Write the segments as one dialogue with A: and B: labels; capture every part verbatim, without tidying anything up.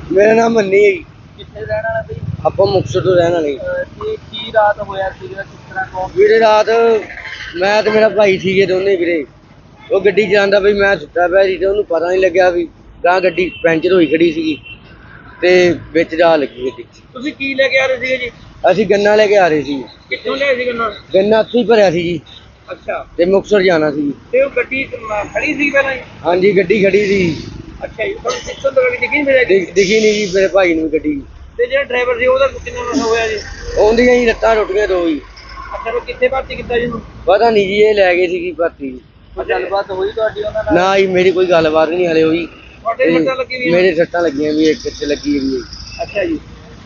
A: ਮੇਰਾ ਨਾਮ ਮੰਨੀ ਹੈ ਜੀ।
B: ਕਿੱਥੇ ਰਹਿਣ ਵਾਲਾ ਬਈ?
A: ਆਪਾਂ ਮੁਕਤਸਰ ਤੋਂ ਰਹਿਣ ਵਾਲੇ।
B: ਤੇ ਕੀ ਰਾਤ ਹੋਇਆ ਸੀਗਾ, ਕਿਸ ਤਰ੍ਹਾਂ ਕੌਣ?
A: ਵੀਰੇ ਰਾਤ ਮੈਂ ਤੇ ਮੇਰਾ ਭਾਈ ਸੀਗੇ ਦੋਨੇ ਵੀਰੇ। ਉਹ ਗੱਡੀ ਚਲਾਉਂਦਾ ਬਈ, ਮੈਂ ਸੁੱਤਾ ਪਿਆ ਸੀ ਤੇ ਉਹਨੂੰ ਪਤਾ ਨਹੀਂ ਲੱਗਿਆ ਵੀ ਗਾਂ ਗੱਡੀ ਪੈਂਚਰ ਹੋਈ ਖੜੀ ਸੀਗੀ ਤੇ ਵਿੱਚ ਜਾ ਲੱਗੀ ਗੱਡੀ।
B: ਤੁਸੀਂ ਕੀ ਲੈ ਕੇ ਆ ਰਹੇ ਸੀਗੇ ਜੀ?
A: ਅਸੀਂ ਗੰਨਾ ਲੈ ਕੇ ਆ ਰਹੇ ਸੀ।
B: ਕਿੱਥੋਂ ਲਿਆਏ ਸੀ ਗੰਨਾ?
A: ਗੰਨਾ ਉੱਥੇ ਹੀ ਭਰਿਆ ਸੀ ਜੀ
B: ਅੱਛਾ,
A: ਤੇ ਮੁਕਤਸਰ ਜਾਣਾ ਸੀ।
B: ਤੇ ਉਹ ਗੱਡੀ ਅਹ, ਖੜੀ ਸੀ ਪਹਿਲਾਂ ਹੀ?
A: ਹਾਂਜੀ ਗੱਡੀ ਖੜੀ ਸੀ।
B: ਅੱਛਾ ਜੀ, ਤੁਹਾਨੂੰ ਪਿੱਛੋਂ ਤੋਂ ਗੱਡੀ ਦਿਖੀ ਨਹੀਂ ਮਿਲਿਆ ਜੀ?
A: ਦਿਖ- ਦਿਖੀ ਨਹੀਂ ਜੀ ਮੇਰੇ ਭਾਈ ਨੂੰ ਵੀ ਗੱਡੀ।
B: ਤੇ ਜਿਹੜਾ ਡਰਾਈਵਰ ਸੀ ਉਹਦਾ ਕਿੰਨਾ ਨੁਕਸਾਨ ਹੋਇਆ ਜੀ?
A: ਆਉਂਦੀਆਂ ਹੀ ਲੱਤਾਂ ਟੁੱਟ ਗਈਆਂ ਦੋ ਹੀ।
B: ਅੱਛਾ, ਉਹ ਕਿੱਥੇ ਭਰਤੀ ਕੀਤਾ ਜੀ ਉਹਨੂੰ?
A: ਪਤਾ ਨਹੀਂ ਜੀ, ਇਹ ਲੈ ਗਏ ਸੀਗੀ ਭਰਤੀ।
B: ਕੋਈ ਗੱਲਬਾਤ ਹੋਈ ਤੁਹਾਡੀ ਉਹਨਾਂ ਨਾਲ?
A: ਨਾ ਜੀ ਮੇਰੀ ਕੋਈ ਗੱਲਬਾਤ ਨਹੀਂ ਹਲੇ ਹੋਈ।
B: ਤੁਹਾਡੇ ਵੀ ਸੱਟਾਂ ਲੱਗੀ ਹੋਈਆਂ?
A: ਮੇਰੇ ਸੱਟਾਂ ਲੱਗੀਆਂ ਵੀ, ਇੱਕ ਇੱਥੇ ਲੱਗੀ ਵੀ ਹੈ।
B: ਅੱਛਾ ਜੀ,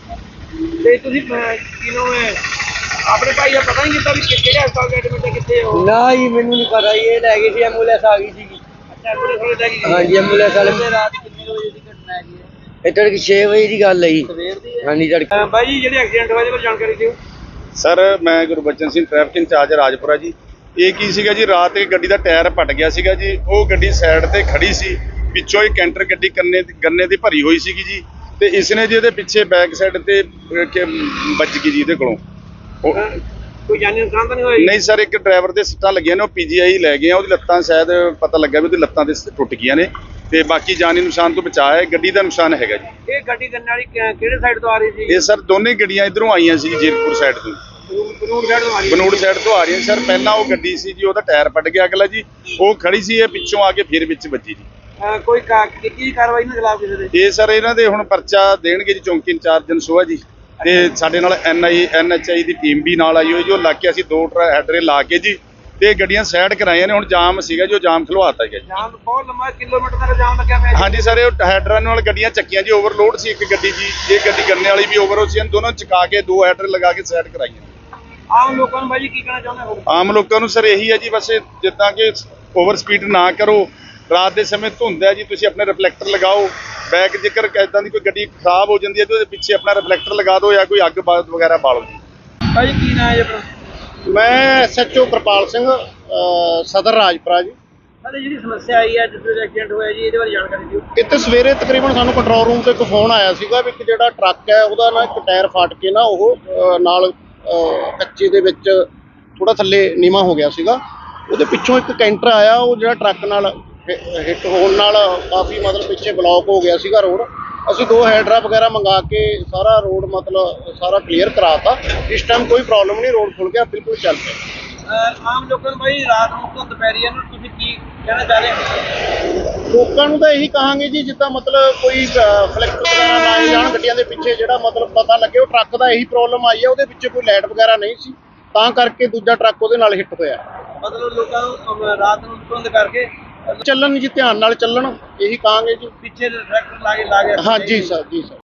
B: ਤੇ ਤੁਸੀਂ ਅਹ, ਕਿਹਨੂੰ ਹੈ ਆਪਣੇ ਭਾਈ ਦਾ ਪਤਾ ਨਹੀਂ ਕੀਤਾ ਵੀ ਕਿ- ਕਿਹੜੇ ਹਸਪਤਾਲ ਦੇ ਐਡਮਿਟ ਹੈ, ਕਿੱਥੇ ਉਹ?
A: ਨਾ ਜੀ ਮੈਨੂੰ ਨਹੀਂ ਪਤਾ ਜੀ, ਇਹ ਲੈ ਗਏ ਸੀ, ਐਂਬੂਲੈਂਸ ਆ ਗਈ ਸੀਗੀ।
B: ਅੱਛਾ, ਐਂਬੂਲੈਂਸ ਵਾਲੇ ਲੈ ਕੇ ਗਏ?
A: ਹਾਂਜੀ ਐਂਬੂਲੈਂਸ ਵਾਲੇ।
B: ਤੇ ਰਾਤ ਕਿੰਨੇ ਕੁ ਵਜੇ ਦੀ ਘਟਨਾ ਹੈਗੀ ਹੈ?
A: ਇਹ ਤੜਕੇ ਛੇ ਵਜੇ ਦੀ ਗੱਲ ਹੈ ਜੀ।
B: ਸਵੇਰ ਦੀ ਹੈ?
A: ਹਾਂਜੀ ਤੜਕੇ।
B: ਅਹ, ਬਾਈ ਜੀ ਜਿਹੜੇ ਐਕਸੀਡੈਂਟ ਹੋਇਆ ਇਹਦੇ ਬਾਰੇ ਜਾਣਕਾਰੀ ਦਿਓ।
C: ਸਰ ਮੈਂ ਗੁਰਬਚਨ ਸਿੰਘ ਟ੍ਰੈਫਿਕ ਇੰਚਾਰਜ ਰਾਜਪੁਰਾ ਜੀ। ਇਹ ਕੀ ਸੀਗਾ ਜੀ, ਰਾਤ ਇੱਕ ਗੱਡੀ ਦਾ ਟਾਇਰ ਪਟ ਗਿਆ ਸੀਗਾ ਜੀ। ਉਹ ਗੱਡੀ ਸਾਈਡ ਤੇ ਖੜੀ ਸੀ, ਪਿੱਛੋਂ ਇੱਕ ਕੈਂਟਰ ਗੱਡੀ ਕੰਨੇ ਗੰਨੇ ਦੀ ਭਰੀ ਹੋਈ ਸੀਗੀ ਜੀ, ਤੇ ਇਸ ਨੇ ਜੀ ਇਹਦੇ ਪਿੱਛੇ ਬੈਕ ਸਾਈਡ ਤੇ ਅਹ, ਕਿ ਵੱਜ ਗਈ ਜੀ ਇਹਦੇ ਕੋਲੋਂ। ਉਹ
B: ਅਹ, ਕੋਈ ਜਾਨੀ ਨੁਕਸਾਨ ਤਾਂ ਨਹੀਂ ਹੋਇਆ ਜੀ?
C: ਨਹੀਂ ਸਰ, ਇੱਕ ਡਰਾਈਵਰ ਦੇ ਸੱਟਾਂ ਲੱਗੀਆਂ ਨੇ, ਉਹ ਪੀਜੀਆਈ ਲੈ ਗਏ ਆ। ਉਹਦੀ ਲੱਤਾਂ ਸ਼ਾਇਦ ਪਤਾ ਲੱਗਾ ਵੀ ਉਹਦੀ ਲੱਤਾਂ ਤੇ ਟੁੱਟ ਗਈਆਂ ਨੇ, ਤੇ ਬਾਕੀ ਜਾਨੀ ਨੁਕਸਾਨ ਤੋਂ ਬਚਾਅ ਹੈ। ਗੱਡੀ ਦਾ ਨੁਕਸਾਨ ਹੈਗਾ ਜੀ।
B: ਇਹ ਗੱਡੀ ਗੰਨੇ ਵਾਲੀ ਕਿ- ਕਿਹੜੇ ਸਾਈਡ ਤੋਂ ਆ ਰਹੀ ਸੀ?
C: ਇਹ ਸਰ ਦੋਨੇ ਗੱਡੀਆਂ ਇਧਰੋਂ ਆਈਆਂ ਸੀ ਜੀਰਪੁਰ ਸਾਈਡ ਤੋਂ,
B: ਬਨੂੜ ਸਾਈਡ ਤੋਂ ਆ ਰਹੀ ਸੀ?
C: ਬਨੂੜ ਸਾਈਡ ਤੋਂ ਆ ਰਹੀਆਂ ਸਰ। ਪਹਿਲਾਂ ਉਹ ਗੱਡੀ ਸੀ ਜੀ, ਉਹਦਾ ਟਾਇਰ ਪਟ ਗਿਆ ਅਗਲਾ ਜੀ, ਉਹ ਖੜੀ ਸੀ, ਇਹ ਪਿੱਛੋਂ ਆ ਕੇ ਫਿਰ ਵਿੱਚ ਵੱਜੀ ਜੀ।
B: ਅਹ, ਕੋਈ ਕਾ- ਕੀਤੀ ਕਾਰਵਾਈ ਇਹਨਾਂ ਖਿਲਾਫ ਕਿਸੇ ਦੇ?
C: ਇਹ ਸਰ ਇਹਨਾਂ ਦੇ ਹੁਣ ਪਰਚਾ ਦੇਣਗੇ ਜੀ ਚੌਂਕੀ ਇੰਚਾਰਜ ਜਨਸੋਆ ਜੀ, ਤੇ ਸਾਡੇ ਨਾਲ ਐਨ ਆਈ N H I the team ਵੀ ਨਾਲ ਆਈ ਹੋਈ ਜੋ ਲਾ ਕੇ ਅਸੀਂ ਦੋ ਹੈਡਰੇ ਲਾ ਕੇ ਜੀ ਤੇ ਗੱਡੀਆਂ ਸਾਈਡ ਕਰਾਈਆਂ ਨੇ। ਹੁਣ ਜਾਮ ਸੀਗਾ ਜੋ ਜਾਮ ਖਲਵਾਤਾ ਗਿਆ ਜੀ।
B: ਜਾਮ ਬਹੁਤ ਲੰਮਾ, ਕਿਲੋਮੀਟਰ ਤੱਕ ਜਾਮ ਲੱਗਿਆ ਪਿਆ ਜੀ।
C: ਹਾਂਜੀ ਸਰ, ਇਹ ਹੈਡਰਾਂ ਨਾਲ ਗੱਡੀਆਂ ਚੱਕੀਆਂ ਜੀ, ਓਵਰਲੋਡ ਸੀ ਇੱਕ ਗੱਡੀ ਜੀ, ਇਹ ਗੱਡੀ ਗੰਨੇ ਵਾਲੀ ਵੀ ਓਵਰ ਸੀ, ਦੋਨੋਂ ਚਕਾ ਕੇ ਦੋ ਹੈਡਰ ਲਗਾ ਕੇ ਸਾਈਡ ਕਰਾਈਆਂ।
B: ਆਮ ਲੋਕਾਂ ਨੂੰ ਬਾਈ ਜੀ ਕੀ ਕਹਿਣਾ ਚਾਹੁੰਦੇ ਹੋ?
C: ਆਮ ਲੋਕਾਂ ਨੂੰ ਸਰ ਇਹੀ ਹੈ ਜੀ, ਬਸ ਇਹ ਜਿੱਦਾਂ ਕਿ ਓਵਰ ਸਪੀਡ ਨਾ ਕਰੋ। ਰਾਤ ਦੇ ਸਮੇਂ ਧੁੰਦ ਹੈ ਜੀ, ਤੁਸੀਂ ਆਪਣੇ ਰਿਫਲੈਕਟਰ ਲਗਾਓ। ਬੈਕ ਜੇਕਰ ਇਦਾਂ ਦੀ ਕੋਈ ਗੱਡੀ ਖਰਾਬ ਹੋ ਜਾਂਦੀ ਹੈ ਤੇ ਉਹਦੇ ਪਿੱਛੇ ਆਪਣਾ ਰਿਫਲੈਕਟਰ ਲਗਾ ਦਿਓ ਜਾਂ ਕੋਈ ਅੱਗ ਬਾਤ ਵਗੈਰਾ ਬਾਲੋ ਜੀ।
B: ਬਾਈ ਜੀ ਕੀ ਨਾਂ ਹੈ ਜੀ ਆਪਣਾ?
D: ਮੈਂ S H O Kirpal Singh, ਅਹ ਸਦਰ ਰਾਜਪੁਰਾ ਜੀ।
B: ਸਾਡੇ ਜਿਹੜੀ ਸਮੱਸਿਆ ਆਈ ਹੈ ਜਿਸ ਵਿੱਚ ਐਕਸੀਡੈਂਟ ਹੋਇਆ ਜੀ, ਇਹਦੇ ਬਾਰੇ ਜਾਣਕਾਰੀ ਦਿਓ।
D: ਇੱਥੇ ਸਵੇਰੇ ਤਕਰੀਬਨ ਸਾਨੂੰ ਕੰਟਰੋਲ ਰੂਮ ਤੋਂ ਇੱਕ ਫੋਨ ਆਇਆ ਸੀਗਾ ਵੀ ਇੱਕ ਜਿਹੜਾ ਟਰੱਕ ਹੈ ਉਹਦਾ ਨਾ ਇੱਕ ਟਾਇਰ ਫਟ ਕੇ ਨਾ ਉਹ ਅਹ ਨਾਲ ਅਹ ਕੱਚੇ ਦੇ ਵਿੱਚ ਥੋੜਾ ਥੱਲੇ ਨੀਵਾਂ ਹੋ ਗਿਆ ਸੀਗਾ। ਉਹਦੇ ਪਿੱਛੋਂ ਇੱਕ ਕੈਂਟਰ ਆਇਆ, ਉਹ ਜਿਹੜਾ ਟਰੱਕ ਨਾਲ ਹਿੱਟ ਹੋਣ ਨਾਲ ਕਾਫੀ ਮਤਲਬ ਪਿੱਛੇ ਬਲੌਕ ਹੋ ਗਿਆ ਸੀਗਾ ਰੋਡ। ਅਸੀਂ ਦੋ ਹੈਡਰਾ ਵਗੈਰਾ ਮੰਗਾ ਕੇ ਸਾਰਾ ਰੋਡ ਮਤਲਬ ਸਾਰਾ ਕਲੀਅਰ ਕਰਾਤਾ। ਇਸ ਟਾਈਮ ਕੋਈ ਪ੍ਰੋਬਲਮ ਨਹੀਂ, ਰੋਡ ਖੁੱਲ ਗਿਆ, ਬਿਲਕੁਲ ਚੱਲ ਪਿਆ।
B: ਅਹ, ਆਮ ਲੋਕਾਂ ਨੂੰ ਬਾਈ ਰਾਤ ਨੂੰ ਧੁੰਦ ਪੈ ਰਹੀ ਹੈ, ਇਹਨੂੰ ਤੁਸੀਂ ਕੀ ਕਹਿਣਾ ਚਾਹ ਰਹੇ ਹੋ?
D: ਲੋਕਾਂ ਨੂੰ ਤਾਂ ਇਹੀ ਕਹਾਂਗੇ ਜੀ, ਜਿੱਦਾਂ ਮਤਲਬ ਕੋਈ ਫਲੈਕਟ ਵਗੈਰਾ ਲਾਏ ਜਾਣ ਗੱਡੀਆਂ ਦੇ ਪਿੱਛੇ, ਜਿਹੜਾ ਮਤਲਬ ਪਤਾ ਲੱਗੇ ਉਹ ਟਰੱਕ ਦਾ ਇਹੀ ਪ੍ਰੋਬਲਮ ਆਈ ਹੈ, ਉਹਦੇ ਪਿੱਛੇ ਕੋਈ ਲਾਈਟ ਵਗੈਰਾ ਨਹੀਂ ਸੀ, ਤਾਂ ਕਰਕੇ ਦੂਜਾ ਟਰੱਕ ਉਹਦੇ ਨਾਲ ਹਿੱਟ ਹੋਇਆ।
B: ਮਤਲਬ ਲੋਕਾਂ ਨੂੰ ਅਮ, ਰਾਤ ਨੂੰ ਧੁੰਦ ਕਰਕੇ
D: ਚੱਲਣ ਜੀ, ਧਿਆਨ ਨਾਲ ਚੱਲਣ, ਇਹੀ ਕਹਾਂਗੇ ਜੀ।
B: ਪਿੱਛੇ ਟਰੈਕਟਰ ਲਾ ਕੇ ਲਾ ਕੇ
D: ਹਾਂ ਜੀ ਸਰ, ਜੀ ਸਰ।